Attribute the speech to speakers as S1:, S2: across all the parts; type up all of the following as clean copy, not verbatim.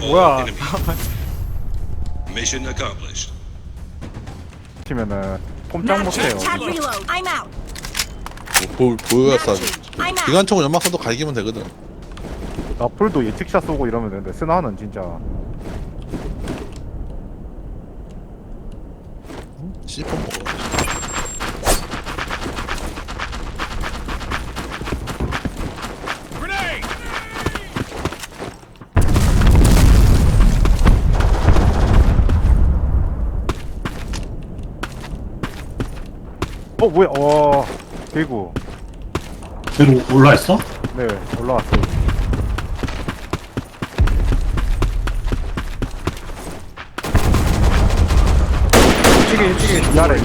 S1: 뭐야?
S2: enemy. Mission accomplished.
S1: 치면은 꼼짝 못해요.
S3: Tag reload. I'm out.
S4: 보여야 싸지.
S3: I'm out.
S4: 기관총은 연막선도 갈기면 되거든.
S1: 나풀도 예측샷 쏘고 이러면 되는데 스나는 진짜
S4: C4 먹어.
S1: 뭐야? 대구.
S5: 위로 올라있어?
S1: 네, 올라왔어요. 이쪽에 이 아래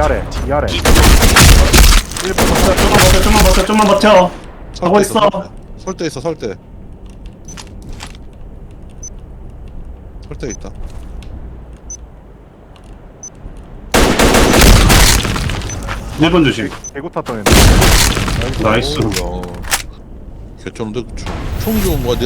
S1: 1번
S5: 좀만 버텨. 하고 있어.
S4: 설대 있어, 설대. 설대 있다.
S5: 일본 조심.
S1: 대구 탔던 애.
S5: 나이스.
S4: 개쩌는데 총 좋은 거야. 내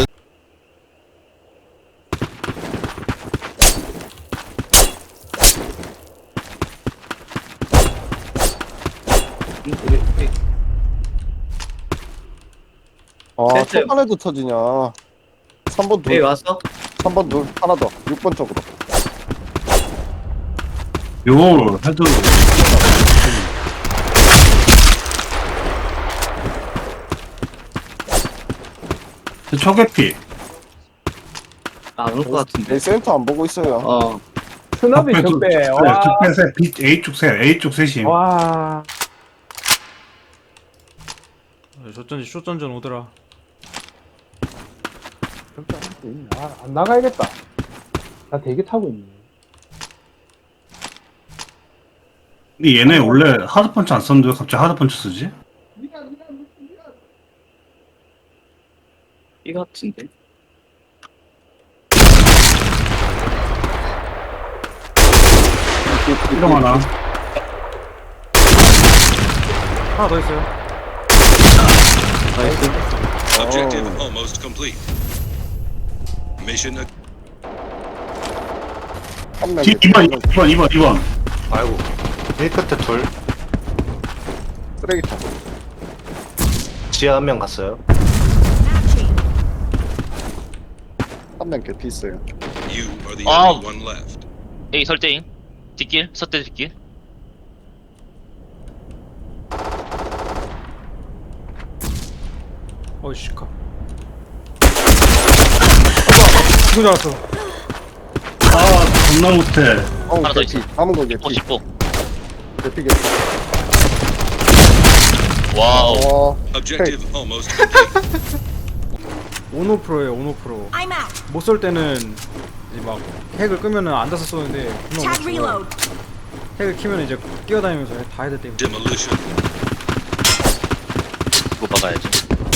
S6: 초반에도 터지냐. 3번 둘.
S7: 왔어?
S6: 3번 둘. 하나 더. 6번 쪽으로.
S5: 요 헤드. 초계피.
S7: 안올 것 같은데.
S6: 내 센터 안 보고 있어요.
S7: 스나비 적배. 와.
S5: 적배세 빛 A쪽 셋임.
S7: 와.
S1: 쇼전전 오더라.
S7: 안 나가야겠다. 나 대기 타고 있네.
S5: 근데 얘네 원래 하드펀치 안 썼는데 왜 갑자기 하드펀치 쓰지?
S7: 이 같은데.
S5: 이런 하나.
S1: 하나 더 있어요.
S7: 나이스.
S2: Objective almost complete. Mission ac-
S6: 한 명.
S5: 2번.
S8: 아이고 일 끝에 둘
S6: 쓰레기통.
S8: 지하 한 명 갔어요.
S6: 한 명 개피 있어요.
S2: You are the
S9: Ah.
S2: only one left.
S9: A 설대인 뒷길 서대 뒷길
S1: 시카. 누구 잡았어?
S5: 아 겁나 못해.
S9: 하나 더
S6: 개피.
S9: 있어.
S6: 남은 거 개피.
S9: 50보
S6: 개피 개피.
S9: 와우
S2: Objective almost complete.
S1: 오노프로예요, 오노프로.
S3: I'm out.
S1: 못 쏠 때는 이제 막 핵을 끄면은 앉아서 쏘는데 분명
S3: Tag
S1: 못 쏘요.
S3: reload.
S1: 핵을 키면 이제 뛰어다니면서 다 해야 돼.
S2: Demolition.
S9: 이거 박아야지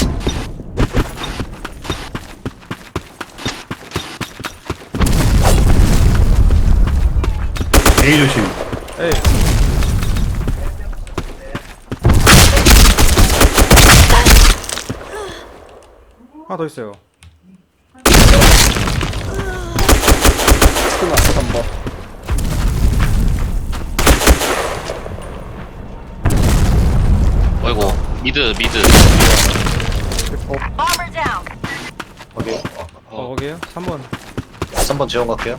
S5: A 조심.
S1: 에이. 하나 더 있어요.
S6: 스나 3번.
S9: 어이구 미드
S3: Bomber down.
S8: 거기
S1: 거기에요? 3번.
S8: 3번 지원 갈게요.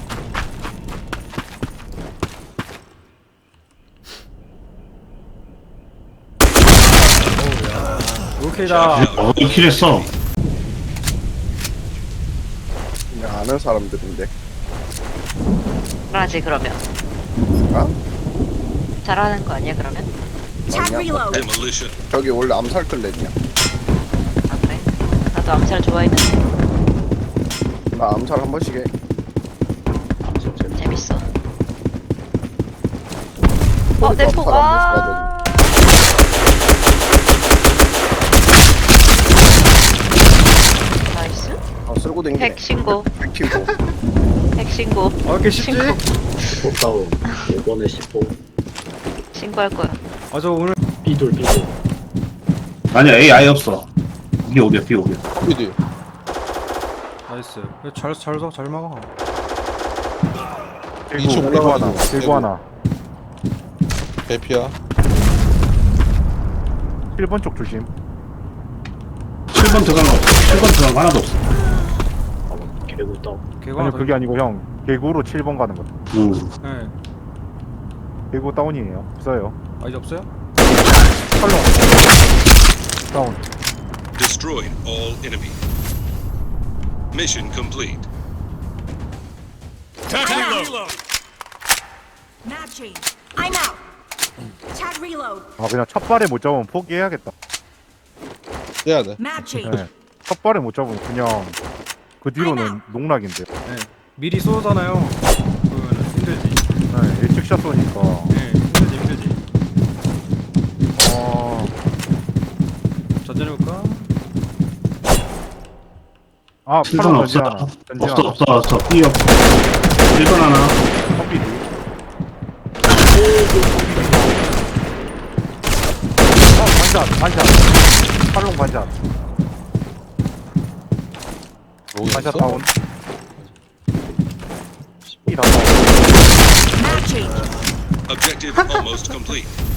S1: 오케이다.
S5: 킬 했어.
S6: 그냥 아는 사람들인데.
S10: 잘하지 그러면.
S6: 아?
S10: 잘하는 거 아니야 그러면?
S3: Tag
S6: 아니야.
S3: reload.
S2: Demolition.
S6: 저기 원래 암살 클랜이야.
S10: 아 그래? 나도 암살 좋아했는데
S6: 나 암살 한 번씩 해.
S10: 재밌어.
S6: 꼬리도
S10: 내
S6: 암살
S10: 포가.
S6: 한 번씩 하더니.
S10: 나이스.
S6: 쓸고 댕기네.
S10: 핵 신고.
S6: 핵 키고.
S10: 핵 신고.
S1: 왜 이렇게 쉽지?
S10: 신고.
S7: 다운. 이번에 10호.
S10: 신고할 거야.
S1: 저 오늘
S7: B돌.
S5: 아니야 A 아예 없어. 이게 오비야 B 오비야.
S6: 어디?
S1: 나이스. 잘 막아.
S4: 이층
S7: 개구
S4: 올라가는
S7: 하나.
S4: 거.
S7: 개구
S4: 개구.
S7: 하나.
S4: 대피야.
S7: 1번 쪽 조심.
S5: 7번 들어간 거 없어. 7번 들어간 거 하나도 없어.
S9: 개구 떠.
S1: 개가
S7: 아니
S1: 하나
S7: 그게 아니고 형 개구로 7번 가는 거.
S1: 네.
S7: 개구 다운이에요. 없어요.
S1: 아 이제 없어요?
S7: 탈롱. 다운.
S2: Destroyed all enemy. Mission complete.
S3: Matching. I'm out. Tag reload.
S7: 아 그냥 첫 발에 못 잡으면 포기해야겠다.
S4: 떼야 돼.
S3: Matching.
S7: 네. 첫 발에 못 잡으면 그냥 그 뒤로는 농락인데.
S1: 네. 미리 쏘잖아요. 그러면 힘들지.
S7: 네, 일찍 샷 쏘니까.
S1: 네. 힘들지.
S7: 어.
S1: 전전해볼까?
S7: 아,
S5: 7번
S7: 팔로
S5: 없어.
S7: 던지나. 던지나.
S5: 없어. B 없어. 1번 하나.
S7: 커피도. 반샷. 팔롱 반샷.
S4: 로이
S7: 반샷
S4: 있어?
S7: 다운. 이 다운.
S3: Matching.
S2: Objective almost complete.